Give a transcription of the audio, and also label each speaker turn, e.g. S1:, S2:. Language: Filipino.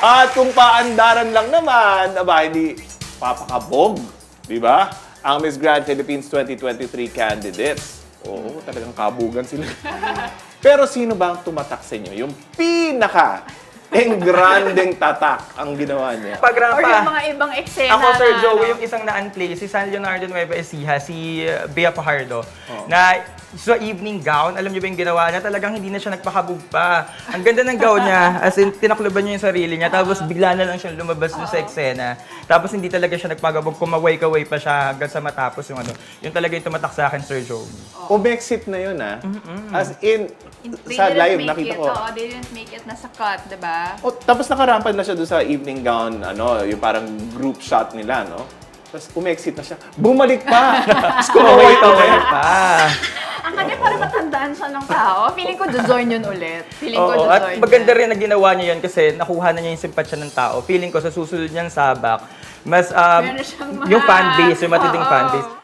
S1: At kung paandaran lang naman, aba, hindi papakabog. Di ba? Ang Miss Grand Philippines 2023 candidates. Oo, talagang kabugan sila. Pero sino ba ang tumatak sa inyo? Yung pinaka-engrandeng tatak ang ginawa niya.
S2: Or yung mga ibang eksena
S3: Ako, Sir
S2: na,
S3: Joey,
S2: ano.
S3: yung isang na-unplay, si San Leonardo Nueva Ecija, si Bea Fajardo, na sa evening gown, alam niyo ba yung ginawa niya? Talagang hindi na siya nagpakabog pa. Ang ganda ng gown niya, as in, tinakluban niya yung sarili niya, tapos bigla na lang siyang lumabas dun sa eksena. Tapos hindi talaga siya nagpagabog, kumaway-kaway pa siya hanggang sa matapos yung ano. Yung talaga yung tumatak sa akin, Sir Joey.
S1: Umexit na yun, ha? As in,
S2: They
S1: sa
S2: didn't
S1: live,
S2: make
S1: nakita
S2: it.
S1: ko.
S2: Oo, they didn't make it nasa cut, diba?
S1: Oh, tapos nakarampad na siya doon sa evening gown, ano, yung parang group shot nila, no? Tapos umexit na siya. Bumalik pa! Tapos kumaway-kaway pa.
S2: Ang kanya parang matandaan siya ng tao. Feeling ko join yun ulit. Feeling ko
S3: Oo,
S2: join
S3: at maganda rin na ginawa niya yun kasi nakuha na niya yung simpatsya ng tao. Feeling ko sa susunod niyang sabak, mas
S2: Meron siyang mga-
S3: yung fanbase, yung matinding
S2: Oo.
S3: fanbase,